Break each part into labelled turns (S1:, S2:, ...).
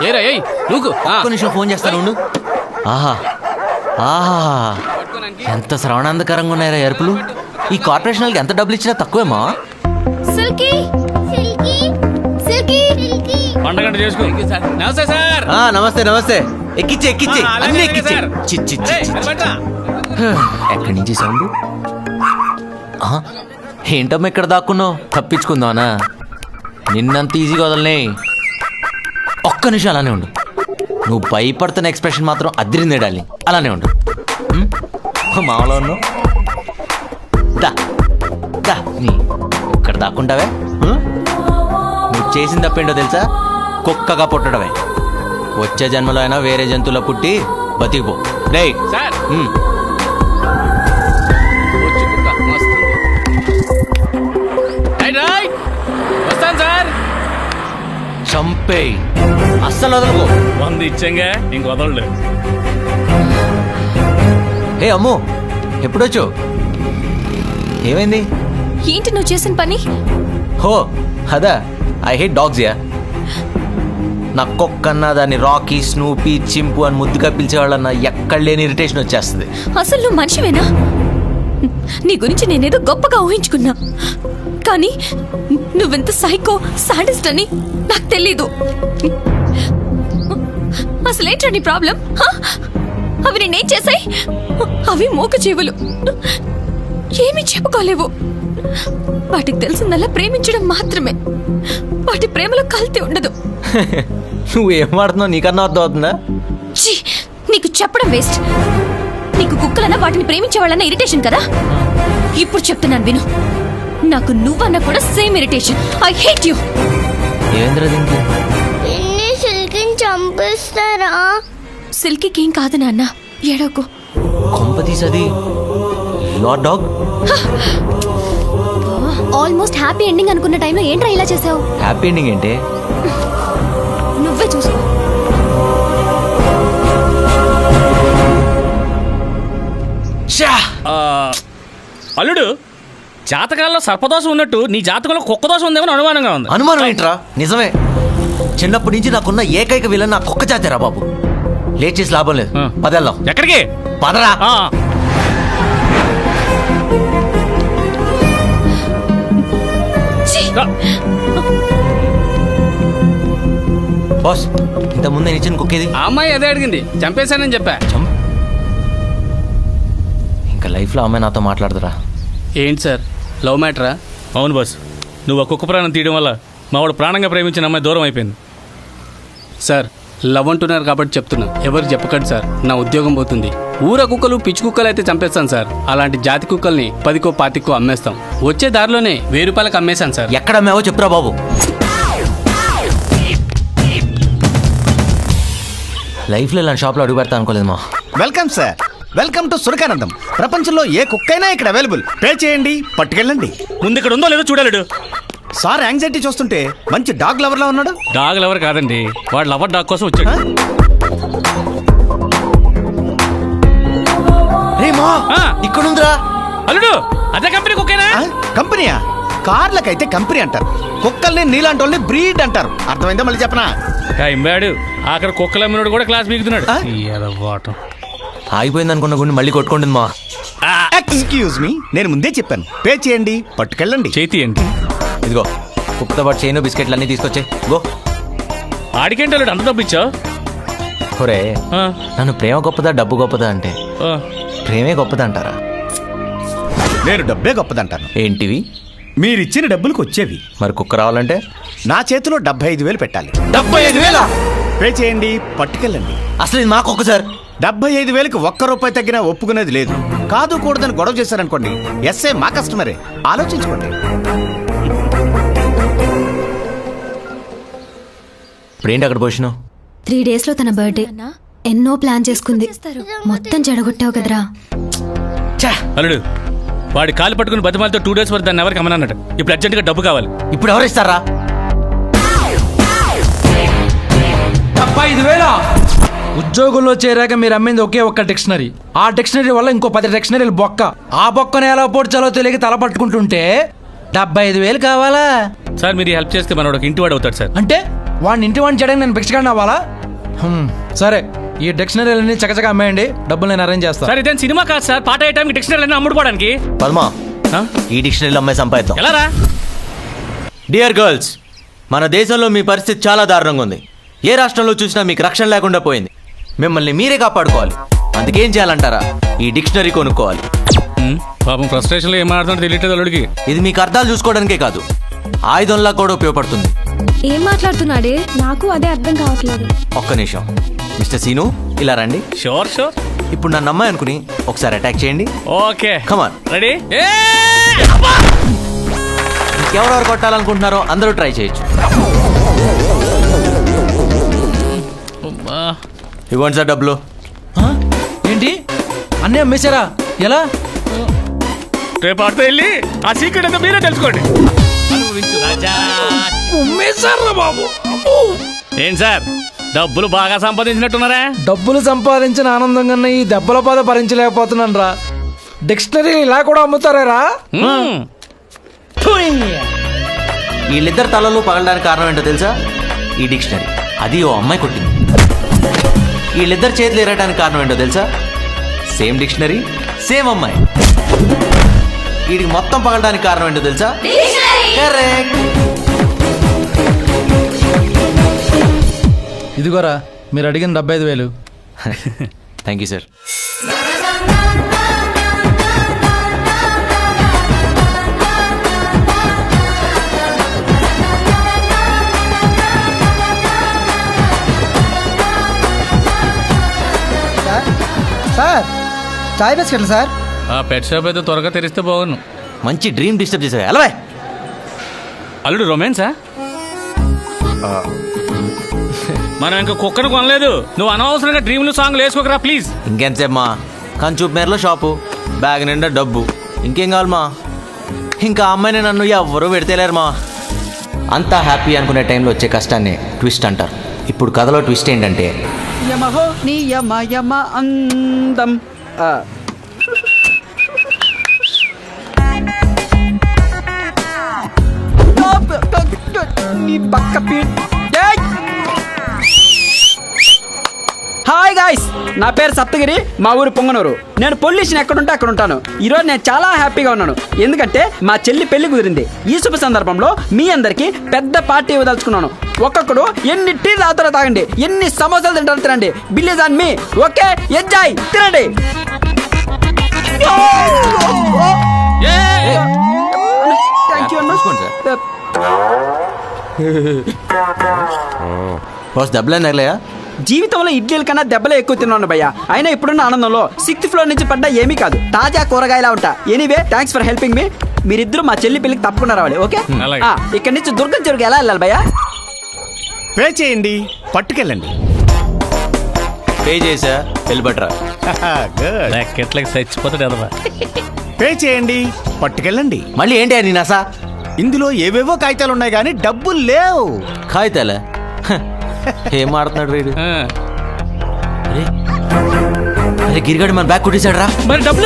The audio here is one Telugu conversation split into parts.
S1: ఒక్క నిమిషం ఫోన్ చేస్తాను ఉండు. ఆహా ఆహా, ఎంత శ్రవణాంధకరంగా ఉన్నాయరా ఎరుపులు. ఈ కార్పొరేషన్ వాళ్ళకి ఎంత డబ్బులు ఇచ్చినా తక్కువేమా. నమస్తే నమస్తే. ఎక్కిచ్చి అన్ని ఎక్కిచ్చి. ఎక్కడి నుంచి సౌండ్? ఏంటమ్మా ఇక్కడ దాక్కున్నావు? తప్పించుకుందానా? నిన్నంత ఈజీగా వదలనే. ఒక్క నిమిషం అలానే ఉండు. నువ్వు భయపడుతున్న ఎక్స్ప్రెషన్ మాత్రం అదిరిందే డార్లింగ్. అలానే ఉండు. మామూలు ఉన్నావు. దా నీ ఇక్కడ దాక్కుంటావే. నువ్వు చేసిన తప్పేంటో తెలుసా? కుక్కగా పుట్టడమే. వచ్చే జన్మలో అయినా వేరే జంతువులో పుట్టి బతికిపో. రే చంపే, అస్సలు వదలకు.
S2: 100 ఇచ్చాంగా, ఇంక వదలడు.
S1: ఏ అమ్ము, ఎప్పుడొచ్చు? ఏమైంది?
S3: ఏంటి నువ్వు చేసిన పని?
S1: హో అదా, ఐ హేట్ డాగ్స్ యా. నా కుక్కన్నా దాన్ని రాకీ, స్నూపీ, చింపు అని ముద్దుగా పిలిచేవాళ్ళన్నా ఎక్కడ లేని ఇరిటేషన్ వచ్చేస్తుంది.
S3: అసలు నువ్వు మనిషివేనా? నీ గురించి నేనేదో గొప్పగా ఊహించుకున్నా, కానీ నువ్వెంత సైకో సాడిస్ట్ అని నాకు తెలీదు. అసలేంట్రా నీ ప్రాబ్లం? అవి నేనేం చేశాయి? అవి మూక జీవులు, ఏమీ చెప్పుకోలేవు. వాటికి తెలిసిందల్లా ప్రేమించడం మాత్రమే. వాటి ప్రేమలో కల్తీ ఉండదు.
S1: నువ్వేం వాడుతున్నావు? నీకన్నా అర్థం అవుతుందా?
S3: నీకు చెప్పడం వేస్ట్. నీకు కుక్కలన్నా వాటిని ప్రేమించే వాళ్ళన్నా ఇరిటేషన్ కదా. ఇప్పుడు చెప్తున్నాను విను. నాకు నువ్వన్నా కూడా same irritation. I hate you.
S1: ఏంద్ర దీనికి?
S4: సిల్కీని చంపేస్తారా?
S3: సిల్కీకి ఏం కాదు నాన్న, ఏడోకు.
S1: కొంపతీసది your dog.
S3: Almost happy ending అనుకున్న టైంలో ఏంట్రా ఇలా చేసావు?
S1: హ్యాపీ ఎండింగ్ ఏంటి?
S3: నువ్వే చూసుకో.
S2: అల్లుడు, జాతకాల్లో సర్పదోషం ఉన్నట్టు నీ జాతకంలో కుక్క దోషం ఉందేమో అనుమానంగా ఉంది.
S1: అనుమానం ఏంట్రా? నిజమే. చిన్నప్పటి నుంచి నాకున్న ఏకైక విలన్ నా కుక్క జాతేరా బాబు. లేట్ చేసి లాభం లేదు. పదెళ్దాం.
S2: ఎక్కడికి?
S1: పదరా. బాస్, ఇంత ముందే ఇచ్చిన కుక్కేది?
S5: ఆ అమ్మాయి అదే అడిగింది, చంపేశానని చెప్పా.
S1: ఇంకా లైఫ్లో అమ్మాయి నాతో మాట్లాడదురా.
S5: ఏంటి సార్, లవ్ మ్యాటరా?
S2: అవును బాస్, నువ్వు ఆ కుక్క ప్రాణం తీయడం వల్ల మా వాడు ప్రాణంగా ప్రేమించిన అమ్మాయి దూరం అయిపోయింది.
S5: సార్, లవ్ అంటున్నారు కాబట్టి చెప్తున్నా, ఎవరికి చెప్పకండి సార్, నా ఉద్యోగం పోతుంది. ఊర కుక్కలు పిచ్చి కుక్కలు అయితే చంపేస్తాను సార్. అలాంటి జాతి కుక్కల్ని 10కో 25కో అమ్మేస్తాం. వచ్చే దారిలోనే 1000 రూపాయలకు అమ్మేశాను సార్.
S1: ఎక్కడ అమ్మావో చెప్పురా బాబు. లైఫ్లో ఇలాంటి షాప్లో అడుగు పెడతా అనుకోలేదు మా.
S6: Welcome sir, welcome to Surakanandam. ప్రపంచంలో ఏ కుక్కైనా ఇక్కడ అవైలబుల్. పే చేయండి, పట్టుకెళ్ళండి.
S2: ముందు ఇక్కడ ఉందో లేదో చూడలేడు.
S6: సార్ యాంగ్జైటీ చూస్తుంటే మంచి డాగ్ లవర్ లా ఉన్నాడు.
S2: డాగ్ లవర్ కాదండి, వాడు లవర్ డాగ్ కోసం వచ్చాడు.
S1: ఇక్కడ ఉందిరా.
S2: అల్లుడు, అదే కంపెనీ కుక్కేనా?
S6: కంపెనీయా? కార్లకైతే కంపెనీ అంటారు, కుక్కల్ని నీలాంటి వాళ్ళని బ్రీడ్ అంటారు. అర్థమైందా? మళ్ళీ చెప్పనా?
S2: ఇంబాడు అక్కడ కుక్కలు అమ్మినోడు కూడా క్లాస్ బీగుతున్నాడు.
S1: ఆగిపోయింది అనుకున్న గుండె మళ్ళీ కొట్టుకుంటుంది మా.
S6: ఎక్స్క్యూజ్ మీ, నేను ముందే చెప్పాను, పే చేయండి, పట్టుకెళ్ళండి.
S2: చేతి ఏంటి?
S1: ఇదిగో కుక్కతో పాటు చైన్ బిస్కెట్లు అన్నీ తీసుకొచ్చే. గో.
S2: ఆడికేంటి అల్లుడు అంత డబ్బు ఇచ్చావు?
S1: ఒరే, నన్ను ప్రేమ గొప్పదా డబ్బు గొప్పదా అంటే ప్రేమే గొప్పదా అంటారా?
S6: నేను డబ్బే గొప్పదంటాను.
S1: ఏంటివి?
S6: మీరిచ్చిన డబ్బులకు వచ్చేవి.
S1: మరి కుక్క రావాలంటే
S6: నా చేతిలో 75,000 పెట్టాలి.
S1: 75,000
S6: పే చేయండి, పట్టుకెళ్ళండి.
S1: అసలు ఇది మాకు ఒక్క సార్.
S6: 75,000కి ₹1 తగ్గినా ఒప్పుకునేది లేదు. కాదు కూడదని గొడవ చేశారనుకోండి, ఎస్ఏ మా కస్టమరే. ఆలోచించుకోండి.
S1: ఇప్పుడేంటి అక్కడ పోషను?
S3: 3 days లో తన బర్త్డే. ఎన్నో ప్లాన్ చేసుకుంది, మొత్తం చెడగొట్టావు కదరా.
S2: అల్లుడు, వాడి కాలు పట్టుకుని బతిమాలతో 2 days వరకు దాన్ని ఎవరికి అమ్మనన్నట్టు. ఇప్పుడు అర్జెంట్గా డబ్బు కావాలి.
S1: ఇప్పుడు ఎవరు ఇస్తారా?
S7: 75,000. ఉద్యోగుల్లో చేరాక మీరు అమ్మింది ఒకే ఒక్క డిక్షనరీ. ఆ డిక్షనరీ వల్ల ఇంకో 10 డిక్షనరీలు బొక్క. ఆ బొక్కను ఎలా పోడ్చాలో తెలియక తల పట్టుకుంటుంటే 75,000 కావాలా?
S2: సార్, మీరు హెల్ప్ చేస్తే మనోడు ఒక ఇంటి వాడు అవుతాడు సార్.
S7: అంటే వాడిని ఇంటి వాడిని చేయడానికి నేను భిక్షగాడిని అవ్వాలా? సరే, ఈ డిక్షనరీలన్నీ చకచక అమ్మేయండి, డబ్బులు నేను అరేంజ్ చేస్తాను.
S2: సార్ ఇదేం సినిమా కాదు సార్, పాట ఏ టైంకి డిక్షనరీ అమ్ముడుపోవడానికి.
S1: పద్మా,
S2: ఆ?
S1: ఈ డిక్షనరీలో అమ్మాయి సంపాదిద్దాం.
S2: ఎలా రా?
S1: డియర్ గర్ల్స్, మన దేశంలో మీ పరిస్థితి చాలా దారుణంగా ఉంది. ఏ రాష్ట్రంలో చూసినా మీకు రక్షణ లేకుండా పోయింది. మిమ్మల్ని మీరే కాపాడుకోవాలి. అందుకేం చేయాలంటారా? ఈ డిక్షనరీ కొనుక్కోవాలి.
S2: పాపం ఫ్రస్ట్రేషన్లో ఏం మాట్లాడుతుంటే తెలియట్లేదు అల్లుడికి.
S1: ఇది మీకు అర్థాలు చూసుకోవడానికే కాదు, ఆయుధంలా కూడా ఉపయోగపడుతుంది.
S8: ఏం మాట్లాడుతున్నాడే? నాకు అదే అర్థం కావట్లేదు.
S1: ఒక్క నిమిషం మిస్టర్ సీను, ఇలా రండి.
S2: Sure sure.
S1: ఇప్పుడు నన్ను అమ్మాయి అనుకుని ఒకసారి అటాక్ చేయండి.
S2: Okay
S1: come on.
S2: రెడీ.
S1: ఎవరెవరు కొట్టాలనుకుంటున్నారో అందరూ ట్రై చేయొచ్చు. ఇవ్వండి సార్ డబ్బులు.
S7: ఆ? ఏంటి అన్నీ అమ్మేశారా? ఎలా?
S2: రేపు ఆడితే వెళ్ళి ఆ సీక్రెట్ అంతా మీరే తెలుసుకోండి. అనుభవించు రాజా.
S7: అమ్మేశారా బాబు?
S2: ఏం సార్ డబ్బులు బాగా సంపాదించినట్టున్నారా?
S7: డబ్బులు సంపాదించిన ఆనందం కన్నా ఈ దెబ్బల బాధ భరించలేకపోతున్నాను రా. డిక్షనరీ ఇలా కూడా అమ్ముతారా?
S1: వీళ్ళిద్దరు తలలు పగలడానికి కారణం ఏంటో తెలుసా? ఈ డిక్షనరీ. అది ఓ అమ్మాయి కొట్టింది. వీళ్ళిద్దరు చేతులు ఎరగడానికి కారణం ఏంటో తెలుసా? సేమ్ డిక్షనరీ, సేమ్ అమ్మాయి. వీడికి మొత్తం పగలడానికి కారణం ఏంటో తెలుసా? కరెక్ట్.
S7: ఇదిగోరా మీరు అడిగిన 75,000.
S1: Thank you sir.
S9: సార్ చాయ్ బిస్కెట్లు సార్.
S2: ఆ పెట్ షాప్ అయితే త్వరగా తెరిస్తే బాగున్నాను.
S1: మంచి డ్రీమ్ డిస్టర్బ్ చేసావు. ఎలా
S2: అల్లుడు రొమాన్సా? మనం ఇంకా కుక్కను కొనలేదు. నువ్వు అనవసరంగా డ్రీమ్లు సాంగ్లు వేసుకోకరా ప్లీజ్.
S1: ఇంకెంతసేపు మా కంచూపు మేరలో షాపు, బ్యాగ్ నిండా డబ్బు, ఇంకేం కావాలి మా? ఇంకా ఆ అమ్మాయిని నన్ను ఎవ్వరూ పెడితేలేరు మా. అంతా హ్యాపీ అనుకునే టైంలో వచ్చే కష్టాన్ని ట్విస్ట్ అంటారు. ఇప్పుడు కథలో ట్విస్ట్ ఏంటంటే
S9: యమహో నీ యమ యమ అందం. నీ పక్క హాయ్ గాయ్స్, నా పేరు సప్తగిరి, మా ఊరు పొంగనూరు. నేను పొల్యూషన్ ఎక్కడుంటే అక్కడ ఉంటాను. ఈరోజు నేను చాలా హ్యాపీగా ఉన్నాను, ఎందుకంటే మా చెల్లి పెళ్లి కుదిరింది. ఈ శుభ సందర్భంలో మీ అందరికి పెద్ద పార్టీ ఇవ్వదలుచుకున్నాను. ఒక్కొక్కడు ఎన్ని టీ తాగుతారో తాగండి, ఎన్ని సమోసాలు తింటారో తినండి. Bill is on me. Okay, enjoy, తినండి. థ్యాంక్ యూ అన్న.
S1: చూసుకోండి సార్. బాస్ డబ్బులు తగలేయా?
S9: జీవితంలో ఇడ్లీల కన్నా దెబ్బలే ఎక్కువ తిన్నాను భయ్య. అయినా ఇప్పుడున్న ఆనందంలో 6th ఫ్లోర్ నుంచి పడ్డా ఏమీ కాదు, తాజా కూరగాయలా ఉంటా. Anyway, thanks for helping me. మీరిద్దరు మా చెల్లి పెళ్లికి తప్పకుండా రావాలి. ఓకే,
S2: అలాగే.
S9: ఇక్కడి నుంచి దుర్గం చెరువుకి ఎలా వెళ్ళాలి భయ్య?
S6: పే చేయండి, పట్టుకెళ్ళండి.
S1: పే చేసా, వెళ్ళిపట్రా.
S6: గుడ్.
S2: ఎట్లకి చచ్చిపోతాడు ఎదవా.
S6: పే చేయండి, పట్టుకెళ్ళండి.
S1: మళ్ళీ ఏంటి అని నసా?
S6: ఇందులో ఏవేవో కాగితాలు ఉన్నాయి కానీ డబ్బులు లేవు.
S1: కాగితాలే? ఏం ఆడుతున్నాడు రీడు? అరే అరే గిరిగాడు మన బ్యాగ్ కొట్టేశాడు రా.
S2: మరి డబ్బులు?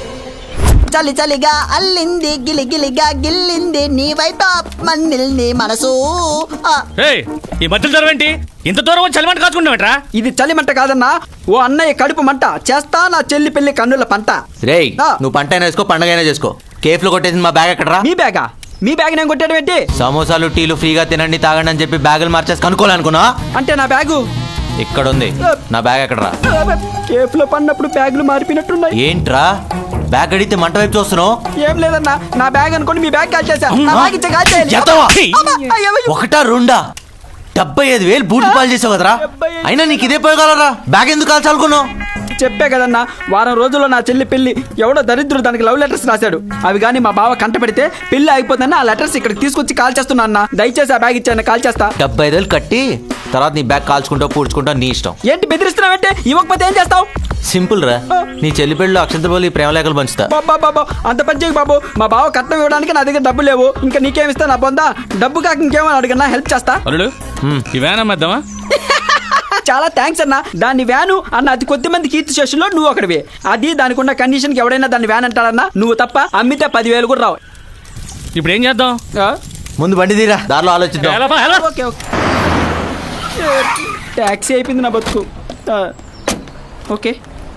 S9: చలి చలిగా అల్లింది, గిలి గిలిగా గిల్లింది, నీ వైపు మన్నిల్ని మనసు.
S2: ఏయ్, ఈ మధ్యలో దూరం ఏంటి? ఇంత దూరం వచ్చి చలిమంట కాచుకుంటావేట్రా?
S9: ఇది చలిమంట కాదన్నా, ఓ అన్నయ్య కడుపు మంట. చేస్తా నా చెల్లి పెళ్లి కన్నుల పంట.
S1: రేయ్, నువ్వు పంట అయినా వేసుకో, పండగ అయినా చేసుకో. కేఫ్లో కొట్టేసింది మా బ్యాగ్ ఎక్కడరా?
S9: మీ బ్యాగా? మీ బ్యాగ్ నేను కొట్టాడు ఏంటి?
S1: సమోసాలు టీలు ఫ్రీగా తినండి తాగండి అని చెప్పి బ్యాగులు మార్చేసి కనుక్కోవాలనుకున్నా.
S9: అంటే నా బ్యాగు
S1: ఇక్కడ ఉంది. నా బ్యాగ్ ఎక్కడరా?
S9: కేఫ్ లో పడినప్పుడు బ్యాగులు మారిపోయినట్టున్నాయి.
S1: ఏంట్రా బ్యాగ్ అడిగితే మంట వైపు చూస్తున్నావు?
S9: ఏం లేదన్నా, నా బ్యాగ్ అనుకోండి మీ బ్యాగ్ కాల్చేసా. నా బ్యాగ్ ఇచ్చే కాల్చేయాలి.
S1: ఎత్తవా?
S9: అమ్మా, అయ్యో, అయ్యో.
S1: ఒకటా రెండా? 75,000 బూట్లు పాలు చేసావు కదరా. అయినా నీకు ఇదే పోయగలరా? బ్యాగ్ ఎందుకు కాల్చాలనుకున్నావు?
S9: చెప్పే కదన్నా, వారం రోజుల్లో నా చెల్లి పెళ్లి. ఎవడో దరిద్రుడు దానికి లవ్ లెటర్స్ రాశాడు. అవి కానీ మా బావ కంట పెడితే పెళ్లి అయిపోతుందని ఆ లెటర్స్ ఇక్కడికి తీసుకొచ్చి కాల్ చేస్తున్నా అన్న. దయచేసి ఆ బ్యాగ్ ఇచ్చాను, కాల్ చేస్తా.
S1: 75,000 కట్టి తర్వాత నీ బ్యాగ్ కాల్చుకుంటావు పూడ్చుకుంటావు, నీ ఇష్టం.
S9: ఏంటి బెదిరిస్తున్నావంటే? ఇవ్వకపోతే ఏం చేస్తావు?
S1: సింపుల్ రా, నీ చెల్లి పెళ్ళిలో అక్షంతలు పోలి ప్రేమ లేఖలు పంచుతా.
S9: బాబా అంత పని చేయకు బాబు. మా బావ కట్నం ఇవ్వడానికి నా దగ్గర డబ్బు లేవు. ఇంకా నీకేమిస్తా నా పొందా? డబ్బు కాక ఇంకేమని అడిగన్నా హెల్ప్ చేస్తా.
S2: అల్లుడు ఈ వ్యాన్ అమ్మేద్దామా?
S9: చాలా థ్యాంక్స్ అన్న. దాన్ని వ్యాను అన్న అతి కొద్ది మంది కీర్తి శేషుల్లో నువ్వు ఒకటివే. అది దానికి ఉన్న కండిషన్ కి ఎవడైనా దాన్ని వ్యాన్ అంటాడన్నా, నువ్వు తప్ప. అమ్మితే 10,000 కూడా రావు.
S2: ఇప్పుడు ఏం చేద్దాం?
S1: ముందు బండి తీరా, దారిలో ఆలోచిద్దాం.
S2: ఎలా బా, ఎలా?
S9: Okay okay. ట్యాక్సీ అయిపోయింది నా బతుకు. ఓకే.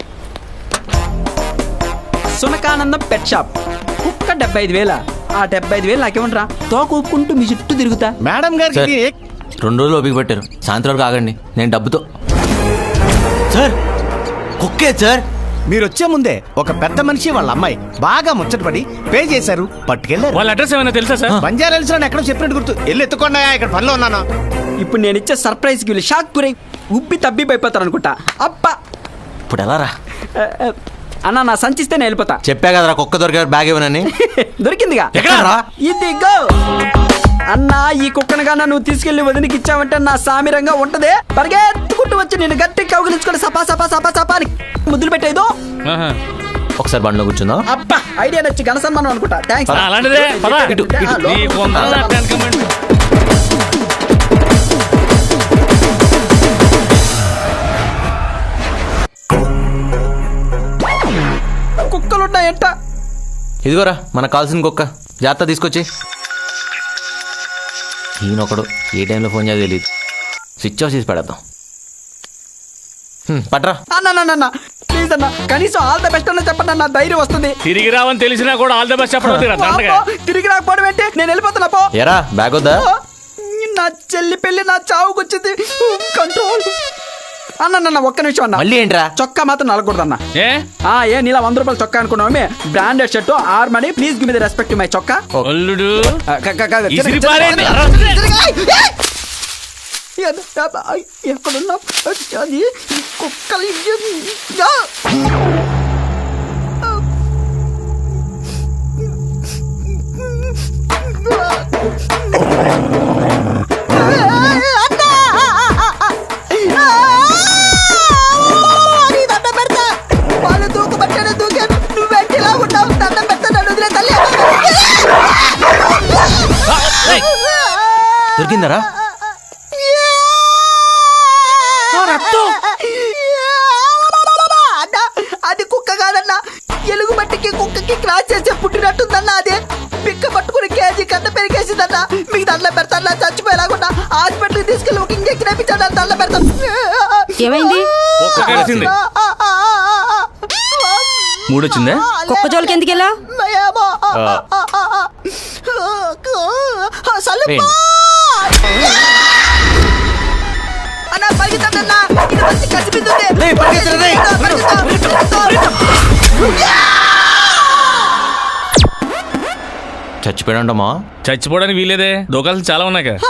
S9: Sunakanandam pet shop. కుక్క 75,000. ఆ 75,000 నాకేమంటారా? తోక ఊపుకుంటూ మీ చుట్టూ తిరుగుతా.
S6: మేడం
S1: సార్
S6: గారికి
S1: 2 రోజులు ఓపిక పెట్టారు, సాయంత్రం వరకు ఆగండి, నేను డబ్బుతో. సార్ కుక్కే సార్.
S6: మీరు వచ్చే ముందే ఒక పెద్ద మనిషి వాళ్ళ అమ్మాయి బాగా ముచ్చటపడి పే చేశారు, పట్టుకెళ్ళారు.
S2: వాళ్ళ అడ్రస్ ఏమైనా తెలుసా సార్?
S6: బంజారాల్స్ లో ఎక్కడో చెప్పినట్టు గుర్తు. వెళ్ళి ఎత్తుకోండా, ఇక్కడ పనిలో ఉన్నాను.
S9: ఇప్పుడు నేను ఇచ్చే సర్ప్రైజ్కి వీళ్ళు షాక్ గురై ఉబ్బి తబ్బి అయిపోతారు అనుకుంటా. అబ్బా
S1: ఇప్పుడు ఎలా రా?
S9: అన్న నా సంచిస్తే నేను వెళ్ళిపోతా.
S1: చెప్పా కదరా కుక్క దొరికారు బ్యాగ్ ఇవ్వనని.
S9: దొరికిందిగా.
S1: ఎక్కడరా?
S9: ఇదిగో అన్నా, ఈ కుక్కనగానా నువ్వు తీసుకెళ్లి వదినికి ఇచ్చావంటే నా సామిరంగా ఉంటదే. పరిగెత్తుకుంటూ వచ్చి నేను గట్టి కౌగిలించుకొని సపా సపా సపా సపా అని ముద్దులు పెట్టేదో.
S2: ఆహా.
S1: ఒకసారి బండిలో కూర్చుందా?
S9: అబ్బా ఐడియా నచ్చి ఘన సన్మానం అనుకుంటా. థ్యాంక్స్.
S2: అలాంటిదే పద. నీకు వందనాలు వెనకమండి.
S9: కుక్కలున్నాయంట.
S1: ఇదిగోరా మనకు కావాల్సిన కుక్క, జాగ్రత్త తీసుకొచ్చి. ఈయనొకడు ఏ టైంలో ఫోన్ చేయాలో తెలియదు, స్విచ్ ఆఫ్ చేసి పెడతాం. పట్రా.
S9: అన్న ప్లీజ్ అన్న, కనీసం ఆల్ ద బెస్ట్ అన్న చెప్పండి అన్న, ధైర్యం వస్తుంది.
S2: తిరిగి రావని తెలిసినా కూడా ఆల్ ద బెస్ట్ చెప్పడం.
S9: అబ్బో, తిరిగి రాకపోవడం ఏంటి? నేను వెళ్ళిపోతున్నా పో.
S1: ఎరా బ్యాగ్ వద్దా?
S9: నా చెల్లి పెళ్లి నా చావుకొచ్చింది. కంట్రోల్. అన్న ఒక్క నిమిషం అన్న.
S1: మళ్ళీ ఏంట్రా?
S9: చొక్కా మాత్రం నలకూడదు అన్న.
S2: ఏ
S9: ఏ నీలా 100 రూపాయలు చొక్కా అనుకున్నామే. Branded shirt or money. Please give me the respect my చొక్కా.
S2: అల్లుడు
S9: ఎక్కడున్నా అది కుక్కలు. వాళ్ళు దూకబట్టాడు, దూకాను. నువ్వెట్టిలా ఉన్నావు? దండం పెడతాడు, వదిలే తల్లి.
S1: దొరికిందరా?
S9: అది కుక్క కాదన్నా, ఎలుగు మట్టికి కుక్కకి క్రాస్ చేసే పుట్టినట్టుందన్నా. అదే పిక్క పట్టుకుని కేజీ కన్న పెరిగేసిందన్నా. మీకు దండం పెడతాను, చచ్చిపోయేలాగున్నా. హాస్పిటల్కి తీసుకెళ్ళి ఒక ఇంజెక్షన్ వేయించాడు, దండం పెడతాను.
S3: ఏమైంది?
S2: కుక్క కరిచింది. మూడొచ్చిందే.
S3: కుక్క జోలికి ఎందుకు వెళ్ళా?
S9: అన్నా పరిగెత్తండన్నా, ఇది మంచి కసిపిస్తుంది.
S1: చచ్చిపోయాడంటమ్మా.
S2: చచ్చిపోవడానికి వీలేదే, దోకాలు చాలా ఉన్నాయి కదా.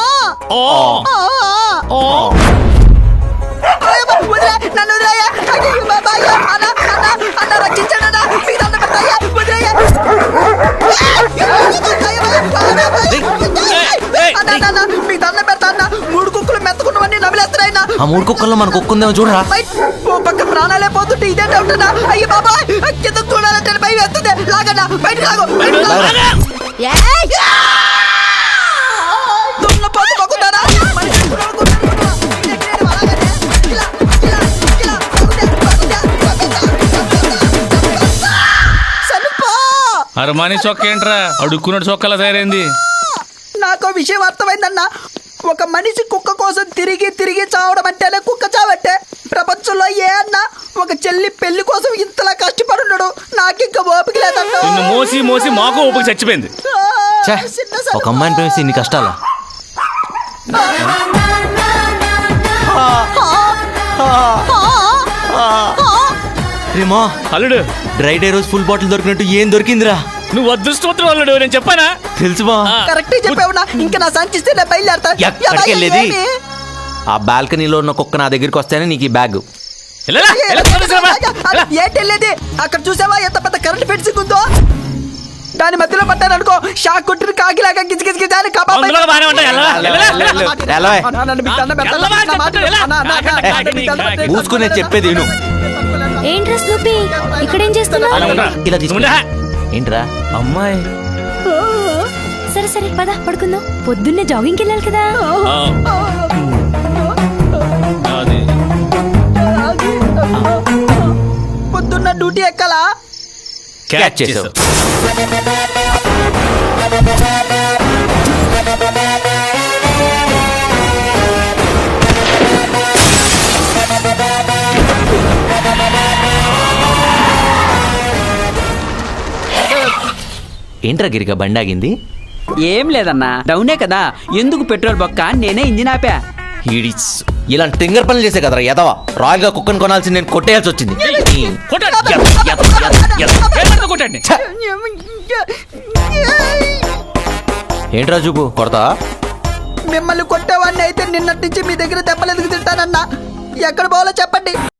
S9: నన్ను వదిలేయ్యా. అయ్యో బాబాయ్. అన్న రక్షించండి. మీ దండం పెడతాయ్యా. వదిలేయ్యా. మీ దండం పెడతా అన్న. 3 కుక్కలు మెత్తకున్నవన్నీ నమిలేస్తున్నాయన్నా.
S1: ఆ 3 కుక్కల్లో మన కుక్క ఉందేమో చూడరా.
S9: ఓ పక్క ప్రాణాలే పోతుంటే ఇదే డౌట్ అన్నా. అయ్యో బాబాయ్, కిందకు చూడాలంటే భయం వేస్తుంది. లాగన్నా, బయటకు లాగు. దున్నపోతు మొక్కుతారా?
S2: అరమాని చొక్క ఏంట్రా అడుక్కున్నాడు చొక్కలా తయారైంది.
S9: నాకు విషయం అర్థమైందన్నా. ఒక మనిషి కుక్క కోసం తిరిగి తిరిగి చావడం అంటేనే కుక్క చావట్టే. ప్రపంచంలో ఏ అన్న ఒక చెల్లి పెళ్లి కోసం ఇంతలా కష్టపడున్నాడు. నాకింక ఓపిక లేదన్నా.
S2: నిన్ను మోసి మోసి మాకు ఓపిక చచ్చిపోయింది.
S1: ఛే, ఒక అమ్మాయిని ప్రేమిస్తే ఇన్ని కష్టాలా? రేమా
S2: అల్లుడు
S1: డ్రై డే రోజు ఫుల్ బాటిల్ దొరికినట్టు ఏం దొరికిందిరా?
S2: నువ్వు అదృష్టవంతుడు అల్లుడు, నేను చెప్పానా?
S1: తెలుసుమా?
S9: కరెక్ట్ చెప్పావునా. ఇంకా నా సంచిస్తే నేను బయలుదేరతా.
S1: ఎక్కడికి వెళ్ళేది? ఆ బాల్కనీలో ఉన్న కుక్క నా దగ్గరికి వస్తేనే నీకు ఈ బ్యాగ్.
S9: ఏంటెళ్ళేది? అక్కడ చూసావా ఎంత పెద్ద కరెంట్ ఫెన్సింగ్ ఉందో? దాని మధ్యలో పట్టాను అనుకో, షాక్ కొట్టిన కాకిలాగా గిజిగిజిగి దాని
S1: మూసుకునే చెప్పేది విను.
S3: ఏంట్రా స్నూపీ, ఇక్కడేం చేస్తున్నావు?
S1: ఇలా తీసుకుంటా. ఏంట్రా అమ్మాయి?
S3: సరే సరే పద పడుకుందాం. పొద్దున్నే జాగింగ్కి వెళ్ళాలి కదా.
S9: పొద్దున్న డ్యూటీ ఎక్కాలా?
S1: క్యాచ్ చేసావు. ఏంట్రా గిరిగా బండి ఆగింది?
S9: ఏం లేదన్నా డౌనే కదా, ఎందుకు పెట్రోల్ బొక్క అని నేనే ఇంజిన్ ఆపా.
S1: ఈడిస్ ఇలాంటి తింగర్ పనులు చేసే కదరా ఎదవా. రాయల్ గా కుక్కను కొనాల్సి నేను కొట్టేయాల్సి వచ్చింది.
S2: కొట్టాడు. కొట్టండి.
S1: ఏంట్రా చూపు కొడతా?
S9: మిమ్మల్ని కొట్టేవాడిని అయితే నిన్నటి నుంచి మీ దగ్గర దెబ్బలు ఎదుగు తింటానన్నా. ఎక్కడ పోవాలో చెప్పండి.